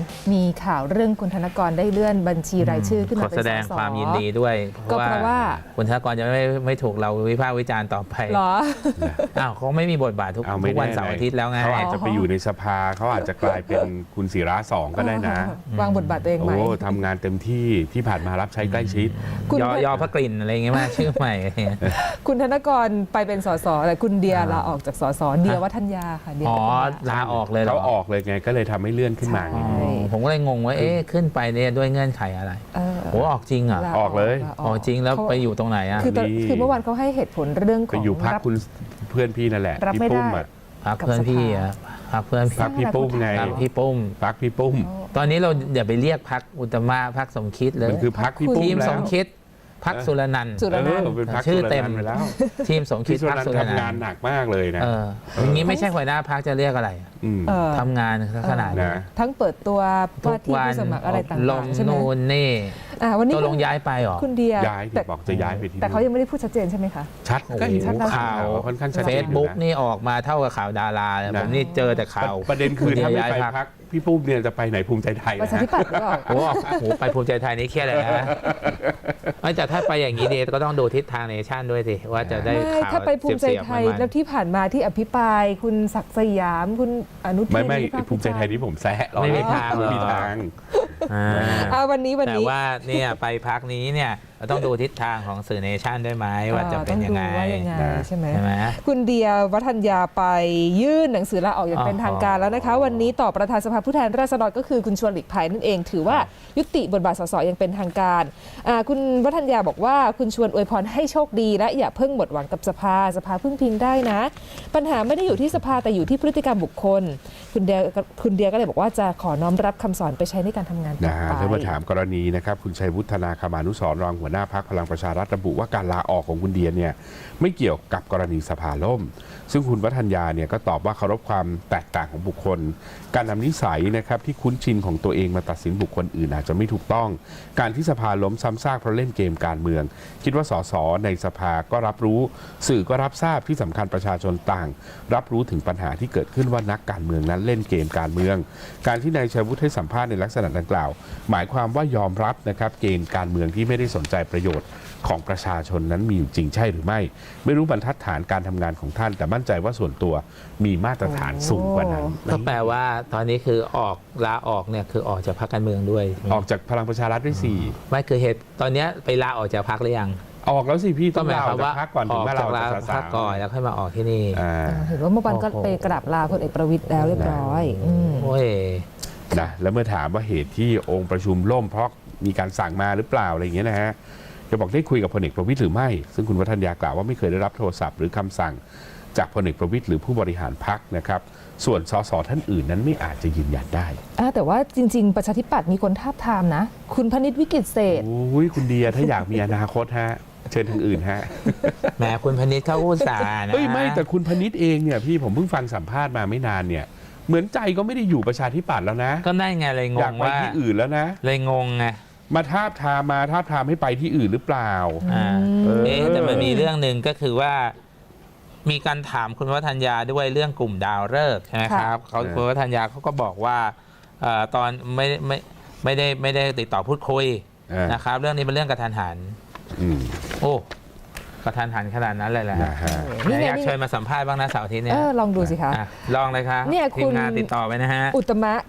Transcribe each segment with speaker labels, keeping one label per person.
Speaker 1: มีข่าวเรื่องคุณธนกรได้เลื่อนบัญชีรายชื่อขึ้นมาเป็นสส
Speaker 2: ขอแสดงความยินดีด้วย
Speaker 1: ก็เพราะว่า
Speaker 2: คุณธนกรจะไม่ถูกเราวิพากษ์วิจารณ์ต่อไป
Speaker 1: หรอ
Speaker 2: อ้าวเขาไม่มีบทบาททุกวันเสาร์อาทิตย์แล้วไง
Speaker 3: เขาอาจจะไปอยู่ในสภาเขาอาจจะกลายเป็นคุณศิระ2ก็ได้นะ
Speaker 1: วางบทบาทตัวเองไหม
Speaker 3: ทำงานเต็มที่ผ่านมารับใช้ใกล้ชิด
Speaker 2: ยอพระกลิ่นอะไรเงี้ยมาชื่อใหม่
Speaker 1: คุณธนกรไปเป็นสสแต่คุณเดียลาออกจากสสเดียวัฒนยาค่ะ
Speaker 2: อ๋อลาออกเลย
Speaker 3: เขาออกเลยไงก็เลยทำให้เลื่อนขึ้นมา
Speaker 2: ผมก็เลยงงว่าขึ้นไปเนี่ยด้วยเงื่อนไขอะไรโอ้ออกจริงเหรอ
Speaker 3: ออกเลย
Speaker 2: ออกจริงแล้วไปอยู่ตรงไหนอ่ะ
Speaker 1: คือเมื่อวานเขาให้เหตุผลเรื่องของ
Speaker 3: ไปอยู่พักคุณเพื่อนพี่นั่นแหละพี่ปุ้มอ่ะ
Speaker 2: พักเพื่อนพี่อ่ะพักเพื่อน
Speaker 3: พี่ปุ้มไง
Speaker 2: พี่ปุ้ม
Speaker 3: พักพี่ปุ้ม
Speaker 2: ตอนนี้เราอย่าไปเรียกพักอุตมะพักสมคิดเลย
Speaker 3: มันคือพักพี่ปุ้ม
Speaker 2: ทีมสมคิดพักสุรนันท์ชื่อเต็ม
Speaker 3: ไปแล้ว
Speaker 2: ทีมสมคิดพักสุรนันท์
Speaker 3: ทำงานหนักมากเลยนะ
Speaker 2: อย่างนี้ไม่ใช่หัวหน้าพักจะเรียกอะไรทำงานขนาดนี้
Speaker 1: ทั้งเปิดตัวว่าที่ผู้สมัครอะไรต่างๆใช่ไหม
Speaker 2: นูนนี่
Speaker 1: วันนี้
Speaker 2: ตกลงย้ายไปหรอ
Speaker 1: คุณเดีย
Speaker 3: ย้ายบอกจะย้ายไปที่
Speaker 1: แต่เขายังไม่ได้พูดชัดเจนใช่ไหมคะ
Speaker 3: ชัดก็เห็น
Speaker 2: ข่าว
Speaker 3: ค่อนข้างชัดเจน
Speaker 2: Facebook นี่ออกมาเท่ากับข่าวดาราผมนี่เจอแต่ข่าว
Speaker 3: ประเด็นคือถ้าไม่ไปพักพี่ปุ้มเนี่ยจะไปไหนภูมิใจไทย
Speaker 1: ประชาธิปัตย์หรือเปล่า
Speaker 2: โอ้โหไปภูมิใจไทยนี่เครียดเลยนะไม่แต่ถ้าไปอย่างนี้เนี่ยก็ต้องดูทิศทางเนชั่นด้วยสิว่าจะได้ข่าว
Speaker 1: ถ้าไปภูมิใจไทยแล้วที่ผ่านมาที่อภิปรายคุณศักดิ์สยามคุณอนุทิน
Speaker 3: ไม่ภูมิใจไทยที่ผมแซะ
Speaker 2: ไม่มีทางหร
Speaker 1: อกวันนี้
Speaker 2: แต่ว่าเนี่ยไปพักนี้เนี่ยเราต้องดูทิศทางของสื่อเนชั่นด้วยไหมว่าจะเป็นยังไง
Speaker 1: ใช่ไหมคุณเดียวัฒนยาไปยื่นหนังสือลาออกอย่างเป็นทางการแล้วนะคะวันนี้ต่อประธานสภาผู้แทนราษฎรก็คือคุณชวนหลีกภัยนั่นเองถือว่ายุติบทบาทสสอย่างเป็นทางการคุณวัฒนยาบอกว่าคุณชวนอวยพรให้โชคดีและอย่าเพิ่งหมดหวังกับสภาพึ่งพิงได้นะปัญหาไม่ได้อยู่ที่สภาแต่อยู่ที่พฤติกรรมบุคคลคุณเดียก็เลยบอกว่าจะขอน้อมรับคำสอนไปใช้ในการทำงานต่อไป
Speaker 3: แล้วมาถามกรณีนะครับคุณชัยวุฒนาคมานุสรณ์รองหัวหน้าพรรคพลังประชารัฐระบุว่าการลาออกของคุณเดียเนี่ยไม่เกี่ยวกับกรณีสภาล่มซึ่งคุณวัฒนยาเนี่ยก็ตอบว่าเคารพความแตกต่างของบุคคลการนำนิสัยนะครับที่คุ้นชินของตัวเองมาตัดสินบุคคลอื่นอาจจะไม่ถูกต้องการที่สภาล้มซ้ำซากเพราะเล่นเกมการเมืองคิดว่าสสในสภาก็รับรู้สื่อก็รับทราบที่สำคัญประชาชนต่างรับรู้ถึงปัญหาที่เกิดขึ้นว่านักการเมืองนั้นเล่นเกมการเมืองการที่นายชัยวุฒิให้สัมภาษณ์ในลักษณะดังกล่าวหมายความว่ายอมรับนะครับเกมการเมืองที่ไม่ได้สนใจประโยชน์ของประชาชนนั้นมีอยู่จริงใช่หรือไม่รู้บรรทัดฐานการทำงานของท่านแต่มั่นใจว่าส่วนตัวมีมาตรฐานสูงกว่านั้น
Speaker 2: ก็แปลว่าตอนนี้คือลาออกเนี่ยคือออกจากพรรคการเมืองด้วย
Speaker 3: ออกจากพลังประชารัฐด้วย4
Speaker 2: ไม่คือเหตุตอนนี้ไปลาออกจากพรรคหรือยัง
Speaker 3: ออกแล้วสิพี่
Speaker 2: ต้องลาออกจาก
Speaker 3: พรรคก่อนถึงมาลาออกจาก
Speaker 2: พรรคก่อนแล้วค่อยมาออกที่นี่
Speaker 1: เห็นว่าเมื่อวานก็ไปกราบลาพลเอกประวิตรแล้วเรียบร้อย
Speaker 2: โอ้ย
Speaker 3: นะแล้วเมื่อถามว่าเหตุที่องค์ประชุมล่มเพราะมีการสั่งมาหรือเปล่าอะไรอย่างเงี้ยนะฮะจะบอกได้คุยกับพลเอกประวิตรหรือไม่ซึ่งคุณวัฒนยากล่าวว่าไม่เคยได้รับโทรศัพท์หรือคำสั่งจากพลเอกประวิตรหรือผู้บริหารพรรคนะครับส่วนสสท่านอื่นนั้นไม่อาจจะยืนยันได้
Speaker 1: แต่ว่าจริงๆประชาธิปัตย์มีคนทาบทามนะคุณพนิษฐ์วิกิตเศษ
Speaker 3: คุณเดียถ้าอยากมีอนาคตฮะเชิญทางอื่นฮะ
Speaker 2: แหมคุณพนิษฐ์เขาอุตส่าห์นะ
Speaker 3: ไม่แต่คุณพนิษฐ์เองเนี่ยพี่ผมเพิ่งฟังสัมภาษณ์มาไม่นานเนี่ยเหมือนใจก็ไม่ได้อยู่ประชาธิปัตย์แล้วนะ
Speaker 2: ก็ได้ไงเลยงงว่า
Speaker 3: ที่อื่นแล้วนะ
Speaker 2: เลยงงไง
Speaker 3: มาทาบทามให้ไปที่อื่นหรือเปล่า
Speaker 2: แต่มันมีเรื่องหนึ่งก็คือว่ามีการถามคุณวัฒนยาด้วยเรื่องกลุ่มดาวฤกษ์ใช่ไหมครับคุณวัฒนยาเขาก็บอกว่าตอนไม่ได้ติดต่อพูดคุยนะครับเรื่องนี้เป็นเรื่องกระทันหันโอ้กระทันหันขนาดนั้นเลยแหละอยากเชิญมาสัมภาษณ์บ้างนะเสาร์อาทิตย์นี้
Speaker 1: ลองดูสิคะ
Speaker 2: ลองเลยครับทีมงานติดต่อไปนะฮะ
Speaker 1: อุตมะ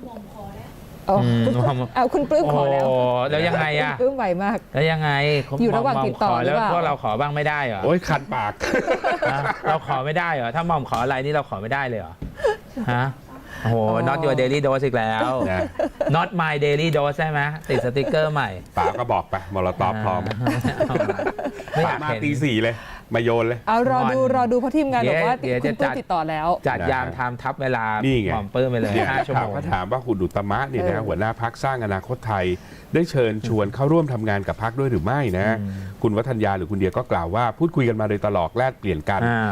Speaker 1: เอาคุณปลื้มขอ
Speaker 2: แล้วยังไงอะ
Speaker 1: ปลื้มไหวมาก
Speaker 2: แล้วยังไง
Speaker 1: อยู่ระหว่างติดต่อ
Speaker 2: แล้วพวกเราขอบ้างไม่ได้เหรอ
Speaker 3: โอ้ยคันปาก
Speaker 2: เราขอไม่ได้เหรอถ้าหม่อมขออะไรนี่เราขอไม่ได้เลยเหรอฮะโอ้โห not your daily dose อีกแล้ว not my daily dose ใช่ไหมติดสติกเกอร์ใหม่
Speaker 3: ป๋าก็บอกไปมอลตอบพร้อมป๋ามาตี 4เลยมาโยนเลย
Speaker 1: เอารอดูเพราะทีมงานบอกว่าคุณปลื้มติดต่อแล้ว
Speaker 2: จัดยามไทม์ทับเวลาหม่อมปลื้มไปเลย5 ชั่วโมง
Speaker 3: ก็ถามว่าคุณอุตมะเนี่ยนะหัวหน้าพรรคสร้างอนาคตไทยได้เชิญชวนเข้าร่วมทำงานกับพรรคด้วยหรือไม่นะคุณวัฒนยาหรือคุณเดียก็กล่าวว่าพูดคุยกันมาโดยตลอดแลกเปลี่ยนกัน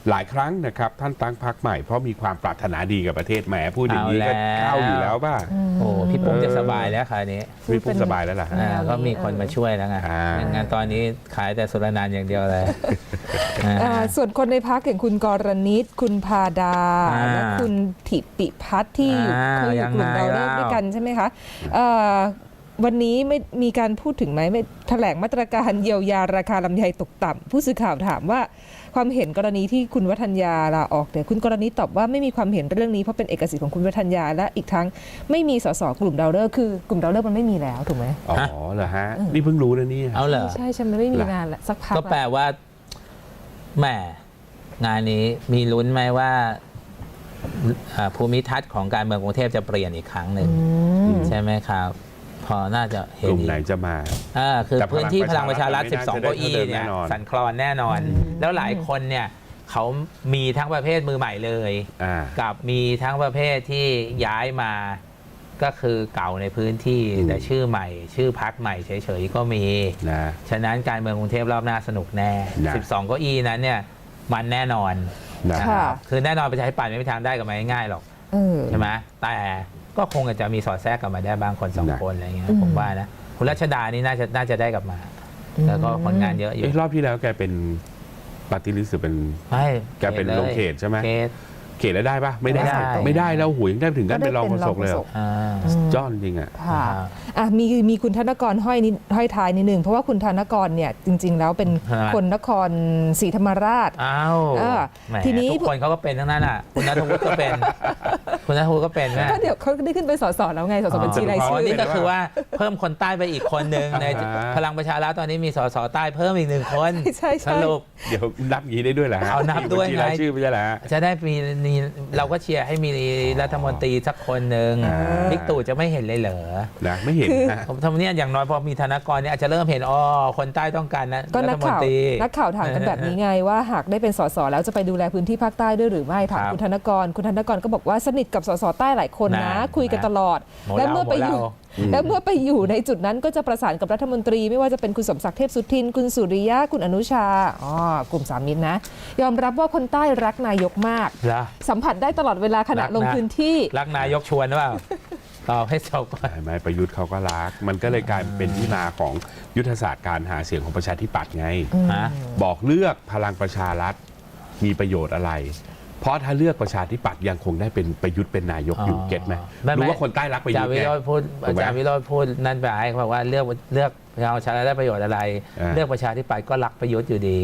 Speaker 3: หลายครั้งนะครับท่านตั้งพรรคใหม่เพราะมีความปรารถนาดีกับประเทศแหมพูดอย่างนี้ก็เข้าอยู่แล้วป่ะ
Speaker 2: โอ้พี่ปุ้มจะสบายแล้วคราวนี้
Speaker 3: พี่ปุ้มสบายแล้วล่ะ
Speaker 2: ก็มีคนมาช่วยแล้วไงงานตอนนี้ขายแต่สุรนานอย่างเดียวเลย
Speaker 1: ส่วนคนในพักอย่างคุณกรณิตคุณพาดาและคุณถิปิพัฒน์ที่อยู่เคยอยู่กลุ่มดาวฤกษ์ด้วยกันใช่ไหมคะวันนี้ไม่มีการพูดถึงไหมไม่แถลงมาตรการเยียวยาราคาลำไยตกต่ำผู้สื่อข่าวถามว่าความเห็นกรณีที่คุณวัฒนยาลาออกเนี่ยคุณกรณีตอบว่าไม่มีความเห็นเรื่องนี้เพราะเป็นเอกสิทธิ์ของคุณวัฒนยาและอีกทั้งไม่มีสสกลุ่มดาวฤกษ์คือกลุ่มดาวฤกษ์มันไม่มีแล้วถูกไหม
Speaker 3: อ๋อเหรอฮะนี่เพิ่งรู้นะนี่
Speaker 2: เอาเหรอ
Speaker 1: ใช่ใช่มันไม่มีงานละสักพัก
Speaker 2: ก็แปลว่าแหมงานนี้มีลุ้นไหมว่าภูมิทัศน์ของการเมืองกรุงเทพจะเปลี่ยนอีกครั้งหนึ่งใช่ไหมครับพอน่าจะเห็น
Speaker 3: กลุ่มไหนจะมา
Speaker 2: คือพื้นที่พลังประชารัฐ12 เก้าอี้เนี่ยสั่นคลอนแน่นอนแล้วหลายคนเนี่ยเขามีทั้งประเภทมือใหม่เลยกับมีทั้งประเภทที่ย้ายมาก็คือเก่าในพื้นที่แต่ชื่อใหม่ชื่อพรรคใหม่เฉยๆก็มีฉะนั้นการเมืองกรุงเทพรอบหน้าสนุกแน่12 เก้าอี้นั้นเนี่ยมันแน่นอนนะครับคือแน่นอนประชาธิปัตย์ไม่มีทางได้กับมันง่ายๆหรอกใช่ไหมแต่ก็คงจะมีสอดแทรกกลับมาได้บางคน2 คนอะไรเงี้ยผมว่านะคุณรัชดานี่น่าจะได้กลับมาแล้วก็ผลงานเยอะอยู่
Speaker 3: รอบที่แล้วแกเป็นปฏิริษีหรือเป็นแกเป็นลงเขตใช่ไหมเขตแล้วได้ปะไม่ได้แล้วหูยังได้ถึงขั้นเป็นรองโฆษกเลยจ้อนจริงอ่ะ
Speaker 1: มีคุณธนกรห้อยท้ายนิดนึงเพราะว่าคุณธนกรเนี่ยจริงๆแล้วเป็นคนนครศรีธรรมราช
Speaker 2: ทีนี้ทุกคนเขาก็เป็นทั้งนั้นอ่ะคุณณัฐวุฒิก็เป็นคุณณัฐวุฒิก็เป็นนะ
Speaker 1: ก็เดี๋ยวเขาได้ขึ้นเป็นสสแล้วไงสสบัญชีรายชื่อ
Speaker 2: นี่ก็คือว่าเพิ่มคนใต้ไปอีกคนนึงในพลังประชารัฐตอนนี้มีสสใต้เพิ่มอีก1 คนสรุป
Speaker 3: เดี๋ยวนับงี้ได้ด้วยเหรอ
Speaker 2: เอานับด้วยไง
Speaker 3: ชื่อไม่ใช่เหรอ
Speaker 2: จะได้มีเราก็เชียร์ให้มีรัฐมนตรีสักคนหนึ่งบิ๊กตู่จะไม่เห็นเลยเหรอ
Speaker 3: นะไม่เห็น
Speaker 2: ผมทำเนี่ยอย่างน้อยพอมีธนกรเนี่ยอาจจะเริ่มเห็นคนใต้ต้องการนะ
Speaker 1: ก็นักข่าวถามกันแบบนี้ไงว่าหากได้เป็นสสแล้วจะไปดูแลพื้นที่ภาคใต้ด้วยหรือไม่ถามคุณธนกรก็บอกว่าสนิทกับสสใต้หลายคนนะคุยกันตลอดและเมื่อไปอยู่ในจุดนั้นก็จะประสานกับรัฐมนตรีไม่ว่าจะเป็นคุณสมศักดิ์เทพสุทินคุณสุริยะคุณอนุชากลุ่ม3 มิตรนะยอมรับว่าคนใต้รักนายกมากสัมผัสได้ตลอดเวลาขณะลงพื้นที่
Speaker 2: รักนายกชวนหรือเปล่าตอบให้จบก่อน
Speaker 3: ไม่ประยุทธ์เขาก็รักมันก็เลยกลายเป็นที่มาของยุทธศาสตร์การหาเสียงของประชาธิปัตย์ไงบอกเลือกพลังประชารัฐมีประโยชน์อะไรเพราะถ้าเลือกประชาธิปัตย์ยังคงได้เป็นประยุทธ์เป็นนายกอยู่เก็ตไหมรู้ว่าคนใต้รักประยุทธ์ไงอาจารย์วิโรจน์พูดนั่นไปเขาบอกว่าเลือกประชารัฐได้ประโยชน์อะไรเลือกประชาธิปัตย์ก็รักประยุทธ์อยู่ดี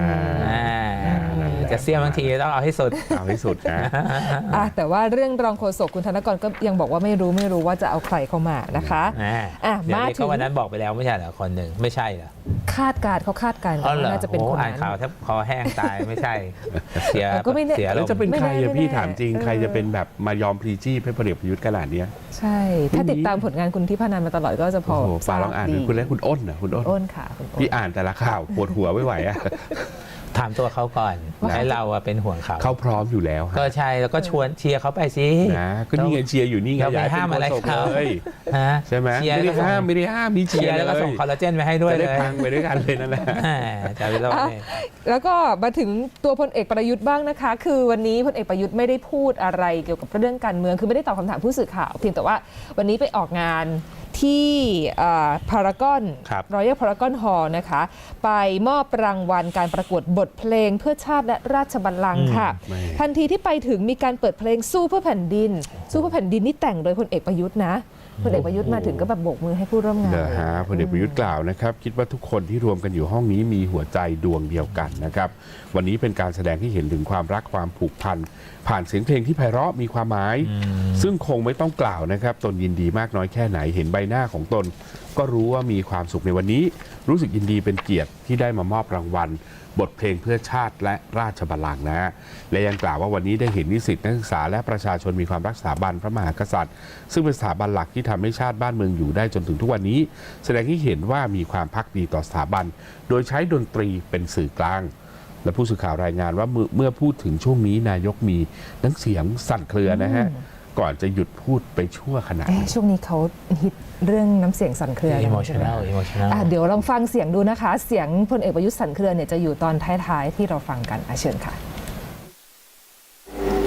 Speaker 3: จะเสี้ยบางทีต้องเอาให้สุด
Speaker 1: นะแต่ว่าเรื่องรองโฆษกคุณธนกรก็ยังบอกว่าไม่รู้ว่าจะเอาใครเข้ามานะคะ
Speaker 2: มาถึงวันนั้นบอกไปแล้วไม่ใช่เหรอคนหนึ่งไม่ใช่เหรอ
Speaker 1: คาดการว่าน่าจะเป็นคนนั้น
Speaker 2: อ่านข่าวแทบคอแห้งตายไม่ใช่เสีย
Speaker 3: แล้วจะเป็นใครพี่ถามจริงใครจะเป็นแบบมายอมพลีจี้ให้พลเอกประยุทธ์ขนาดนี้
Speaker 1: ใช่ถ้าติดตามผลงานคุณทิพนันมาตลอดก็จะพอ
Speaker 3: ฝากลองอ่านคุณเล่นคุณอ้นนะคุณ
Speaker 1: อ้นค่ะ
Speaker 3: พี่อ่านแต่ละข่าวปวดหัวไม่ไหวอะ
Speaker 2: ถามตัวเขาก่อนให้เราเป็นห่วง
Speaker 3: เขาพร้อมอยู่แล้ว
Speaker 2: ก็ใช่แล้วก็ชวนเชียร์เขาไปสิ
Speaker 3: นะก็นี่ไงเชียร์อยู่นี่ไง
Speaker 2: อย่าห้ามอะไรเขา
Speaker 3: ใช่ไหมไม่ได้ห้ามมีเชียร์
Speaker 2: แล้วก็ส่งคอลลาเจนไปให้ด้วย
Speaker 3: เลยพังไปด้วยกันเลยนั่นแหละ
Speaker 1: แล้วก็มาถึงตัวพลเอกประยุทธ์บ้างนะคะคือวันนี้พลเอกประยุทธ์ไม่ได้พูดอะไรเกี่ยวกับเรื่องการเมืองคือไม่ได้ตอบคำถามผู้สื่อข่าวเพียงแต่ว่าวันนี้ไปออกงานที่พารากอนรอยัลพารากอนฮอลล์นะคะไปมอบรางวัลการประกวดบทเพลงเพื่อชาติและราชบัลลังก์ค่ะทันทีที่ไปถึงมีการเปิดเพลงสู้เพื่อแผ่นดินนี่แต่งโดยพลเอกประยุทธ์นะพลเอกประยุทธ์มาถึงก็แบบโบกมือให้ผู้ร่วมงาน
Speaker 3: พลเอกประยุทธ์กล่าวนะครับคิดว่าทุกคนที่รวมกันอยู่ห้องนี้มีหัวใจดวงเดียวกันนะครับวันนี้เป็นการแสดงที่เห็นถึงความรักความผูกพันผ่านเสียงเพลงที่ไพเราะมีความหมายซึ่งคงไม่ต้องกล่าวนะครับตนยินดีมากน้อยแค่ไหนเห็นใบหน้าของตนก็รู้ว่ามีความสุขในวันนี้รู้สึกยินดีเป็นเกียรติที่ได้มามอบรางวัลบทเพลงเพื่อชาติและราชบัลลังก์นะและยังกล่าวว่าวันนี้ได้เห็นนิสิตนักศึกษาและประชาชนมีความรักสถาบันพระมหากษัตริย์ซึ่งเป็นสถาบันหลักที่ทำให้ชาติบ้านเมืองอยู่ได้จนถึงทุกวันนี้แสดงให้เห็นว่ามีความภักดีต่อสถาบันโดยใช้ดนตรีเป็นสื่อกลางและผู้สื่อข่าวรายงานว่าเมื่อพูดถึงช่วงนี้นายกมีน้ำเสียงสั่นเครือนะฮะก่อนจะหยุดพูดไปชั่วขณะ
Speaker 1: ช่วงนี้เขาฮิตเรื่องน้ำเสียงสั่นเครือ
Speaker 2: emotional
Speaker 1: เดี๋ยวลองฟังเสียงดูนะคะเสียงพลเอกประยุทธ์สั่นเครือเนี่ยจะอยู่ตอนท้ายๆที่เราฟังกันเชิญค่ะ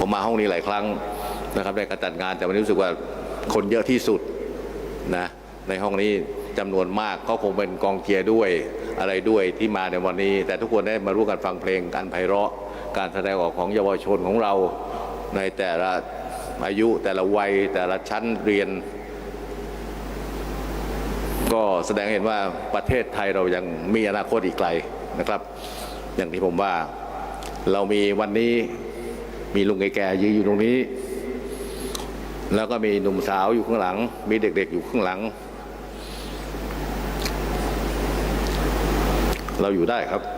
Speaker 4: ผมมาห้องนี้หลายครั้งนะครับในการจัดงานแต่วันนี้รู้สึกว่าคนเยอะที่สุดนะในห้องนี้จำนวนมากก็คงเป็นกองเชียร์ด้วยอะไรด้วยที่มาในวันนี้แต่ทุกคนได้มาร่วมกันฟังเพลงการไพเราะการแสดงออกของเยาวชนของเราในแต่ละอายุแต่ละวัยแต่ละชั้นเรียนก็แสดงเห็นว่าประเทศไทยเรายังมีอนาคตอีกไกลนะครับอย่างที่ผมว่าเรามีวันนี้มีลุงแก่ๆยืนอยู่ตรงนี้แล้วก็มีหนุ่มสาวอยู่ข้างหลังมีเด็กๆอยู่ข้างหลังเราอยู่ได้ครับ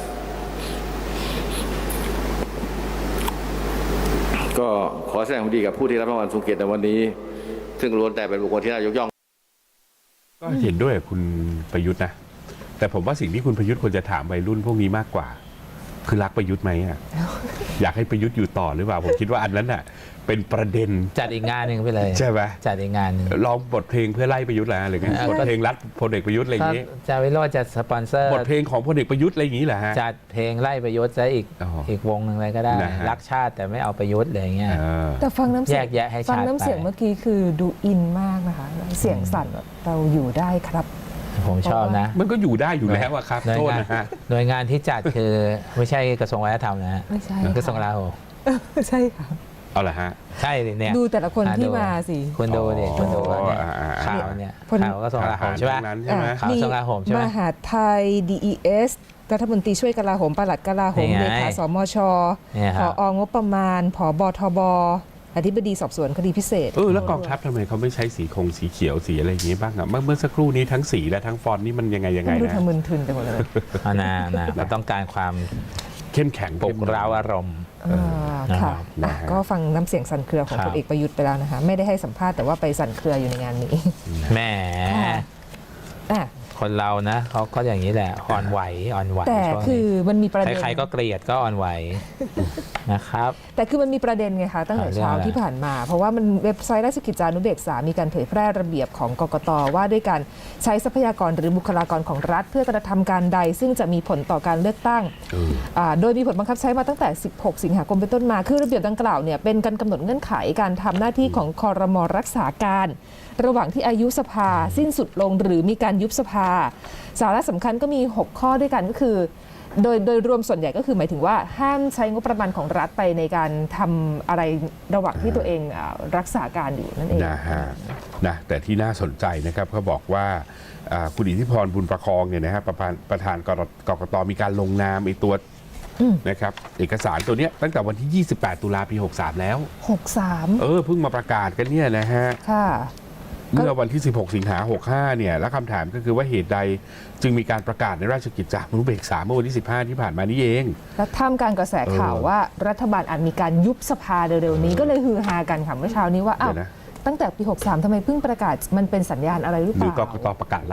Speaker 4: ก็ขอแสดงความดีกับผู้ที่รับรางวัลทรงเกียรติในวันนี้ซึ่งล้วนแต่เป็นบุคคลที่น่ายกย่อง
Speaker 3: ก็เห็นด้วยกับคุณประยุทธ์นะแต่ผมว่าสิ่งที่คุณประยุทธ์ควรจะถามวัยรุ่นพวกนี้มากกว่าคือรักประยุทธ์ไหมอ่ะ อยากให้ประยุทธ์อยู่ต่อหรือเปล่าผมคิดว่าอันนั้นน่ะเป็นประเด็น
Speaker 2: จัดอีกงานหนึ่งไปเลย
Speaker 3: ใช่ไหม
Speaker 2: จัดอีกงานหนึ่ง
Speaker 3: ลองบทเพลงเพื่อไล่ประยุทธ์แล้วหรือไงบทเพลงรัฐพลเอกประยุทธ์อะไรอย่างนี้
Speaker 2: จะวิโรจน์จะสปอนเซอร์
Speaker 3: บทเพลงของพลเอกประยุทธ์อะไรอย่างนี้แหละฮะ
Speaker 2: จัดเพลงไล่ประยุทธ์ซะอีก
Speaker 3: อ๋ออี
Speaker 2: อีกวงหนึ่งเลยก็ได้
Speaker 3: นะฮะ
Speaker 2: รักชาติแต่ไม่เอาประยุทธ์อะไรอย่างเงี้ย
Speaker 1: แต่ฟังน้ำเสียง
Speaker 2: แยกแยะให้ชัด
Speaker 1: ฟังน้ำเสียง
Speaker 2: ไป
Speaker 1: เมื่อกี้คือดูอินมากนะคะเสียงสั่นแบบเราอยู่ได้ครับ
Speaker 2: ผมชอบนะ
Speaker 3: มันก็อยู่ได้อยู่แล้วอะครับ
Speaker 2: หน่วย
Speaker 3: โทษ
Speaker 2: งาน
Speaker 3: นะฮะ
Speaker 2: หน่วยงานที่จัดคือไม่ใช่กระทรวงวัฒนธรรมนะฮะ
Speaker 1: ไม่ใช่
Speaker 2: กระทรวงกลาโหม
Speaker 1: ใช่ค่ะ
Speaker 3: เอาละฮะ
Speaker 2: ใช่ดิเนี่ย
Speaker 1: ดูแต่ละคนที่มาสิ
Speaker 2: คุณดูดิคุณดูว่าเนี่ย
Speaker 3: อ๋อ
Speaker 2: ข่าวเนี่ย
Speaker 1: คน
Speaker 2: ข่าวกระทรวงกลาโหมใช่ไหม
Speaker 3: ทหารทั้งนั้นใช่ไหม
Speaker 2: ข่าวกระทรวงกลาโหมใช่ไหม
Speaker 1: มหาดไทย DES รัฐมนตรีช่วยกลาโหมปลัดกลาโหม
Speaker 2: นี่
Speaker 1: เล
Speaker 2: ไง
Speaker 1: ขาสมช
Speaker 2: เนี่ยค
Speaker 1: ผ
Speaker 2: รับ
Speaker 1: องบประมาณผบทบอธิบดีสอบสวนคดีพิเศษ
Speaker 3: แล้วกองทัพทำไมเขาไม่ใช้สีสีเขียวสีอะไรอย่างนี้บ้างอะเมื่อสักครู่นี้ทั้งสีและทั้งฟอนต์นี่มันยังไง
Speaker 1: ไม่รู้
Speaker 3: นะ
Speaker 1: ทำมึนทึนไปหมดเลย
Speaker 2: เอานะเราต้องการความ
Speaker 3: เข้มแข็ง
Speaker 2: ปลุกเร้าอารมณ์
Speaker 1: ค่ะ
Speaker 3: นะฮะ
Speaker 1: ก็ฟังน้ำเสียงสั่นเครือของ
Speaker 2: ครับ
Speaker 1: พลเอกประยุทธ์ไปแล้วนะคะ ไม่ได้ให้สัมภาษณ์แต่ว่าไปสั่นเครืออยู่ในงานนี้
Speaker 2: แหม
Speaker 1: อ่ะ
Speaker 2: คนเรานะเขาก็อย่างนี้แหละอ่อนไหวอ่อนไหว
Speaker 1: แต่
Speaker 2: ช่วง
Speaker 1: คือ
Speaker 2: นี้
Speaker 1: มันมีประเด็น
Speaker 2: ใครๆก็เกลียดก็อ่อนไหวนะครับ
Speaker 1: แต่คือมันมีประเด็นไงคะตั้งแต่เช้าที่ผ่านมา เพราะว่ามันเว็บไซต์ราชกิจจานุเบกษามีการเผยแพร่ระเบียบของกกตว่าด้วยการใช้ทรัพยากรหรือบุคลากรของรัฐ เพื่อกระทำการใด ซึ่งจะมีผลต่อการเลือกตั้งโดยมีผลบังคับใช้มาตั้งแต่ 16 สิงหาคมเป็นต้นมาคือระเบียบดังกล่าวเนี่ยเป็นการกำหนดเงื่อนไขการทำหน้าที่ของครม.รักษาการ ระหว่างที่อายุสภาสิ้นสุดลงหรือมีการยุบสภา สาระสำคัญก็มี 6 ข้อด้วยกันก็คือ โดยรวมส่วนใหญ่ก็คือหมายถึงว่าห้ามใช้งบประมาณของรัฐไปในการทำอะไรระหว่างที่ตัวเองรักษาการอยู่นั่นเอง
Speaker 3: นะฮะนะแต่ที่น่าสนใจนะครับเขาบอกว่าคุณอิทธิพรบุญประคองเนี่ยนะฮะประธานกกตมีการลงนามไอ้ตัวนะครับเอกสารตัวเนี้ยตั้งแต่วันที่ 28 ตุลาปี 63 แล้ว
Speaker 1: 63
Speaker 3: เพิ่งมาประกาศกันเนี่ยนะฮะ
Speaker 1: ค่ะ
Speaker 3: เมื่อวันที่ 16 สิงหา 65 เนี่ย แล้วคำถามก็คือว่าเหตุใดจึงมีการประกาศในราชกิจจานุเบกษาเมื่อวันที่ 15 ที่ผ่านมานี่เอง
Speaker 1: และท่ามกลางกระแสข่าวว่ารัฐบาลอาจมีการยุบสภาเร็วๆนี้ก็เลยฮือฮากันค่ะเมื่อเช้านี้ว่าอ้าว
Speaker 3: เดี๋ยวนะ
Speaker 1: ตั้งแต่ปี 63ทำไมเพิ่งประกาศมันเป็นสัญญาณอะไรหรือเป
Speaker 3: หรื
Speaker 1: ล่า
Speaker 3: อกกตประกาศไล่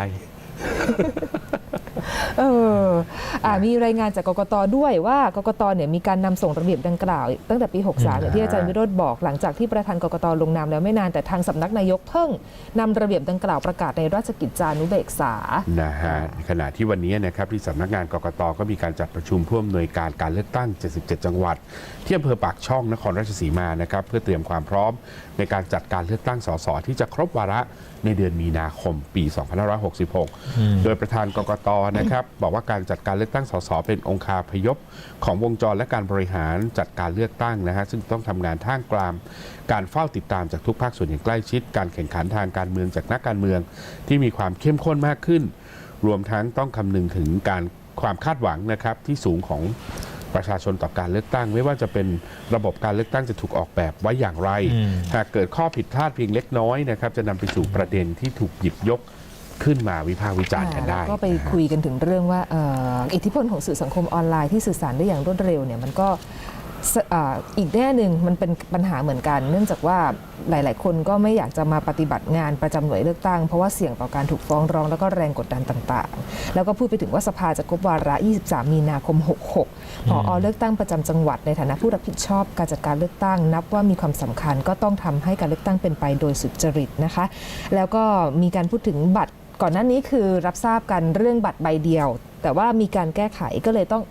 Speaker 1: มีรายงานจากกกตด้วยว่ากกตเนี่ยมีการนำส่งระเบียบดังกล่าว ตั้งแต่ปี 63อย่างที่อาจารย์วิโรจน์บอกหลังจากที่ประธานกกตลงนามแล้วไม่นานแต่ทางสำนักนายกเพิ่งนำระเบียบดังกล่าวประกาศในราชกิจจานุเบกษา
Speaker 3: นะฮะขณะที่วันนี้นะครับที่สำนักงานกกตก็มีการจัดประชุมผู้อำนวยการการเลือกตั้ง 77 จังหวัดที่อำเภอปากช่องนครราชสีมานะครับเพื่อเตรียมความพร้อมในการจัดการเลือกตั้งสสที่จะครบวาระในเดือนมีนาคมปี 2566 โดยประธานกกตนะครับบอกว่าการจัดการเลือกตั้งสสเป็นองคาพยพของวงจรและการบริหารจัดการเลือกตั้งนะฮะซึ่งต้องทำงานท่ามกลางการเฝ้าติดตามจากทุกภาคส่วนอย่างใกล้ชิดการแข่งขันทางการเมืองจากนักการเมืองที่มีความเข้มข้นมากขึ้น รวมทั้งต้องคำนึงถึงความคาดหวังนะครับที่สูงของประชาชนต่อการเลือกตั้งไม่ว่าจะเป็นระบบการเลือกตั้งจะถูกออกแบบไว้อย่างไรหากเกิดข้อผิดพลาดเพียงเล็กน้อยนะครับจะนำไปสู่ประเด็นที่ถูกหยิบยกขึ้นมาวิพากษ์วิจารณ์กันได้
Speaker 1: ก็ไปคุยกันถึงเรื่องว่าอิทธิพลของสื่อสังคมออนไลน์ที่สื่อสารได้อย่างรวดเร็วเนี่ยมันก็อีกแง่หนึ่งมันเป็นปัญหาเหมือนกัน เนื่องจากว่าหลาย ๆ คนก็ไม่อยากจะมาปฏิบัติงานประจำหน่วยเลือกตั้งเพราะว่าเสี่ยงต่อการถูกฟ้องร้องแล้วก็แรงกดดันต่าง ๆ แล้วก็พูดไปถึงว่าสภาจะครบวาระ 23 มีนาคม 66 ผอ.เลือกตั้งประจำจังหวัดในฐานะผู้รับผิดชอบการจัดการเลือกตั้งนับว่ามีความสำคัญก็ต้องทำให้การเลือกตั้งเป็นไปโดยสุจริตนะคะแล้วก็มีการพูดถึงบัตรก่อนหน้านี้คือรับทราบกันเรื่องบัตรใบเดียวแต่ว่ามีการแก้ไขก็เลยต้อง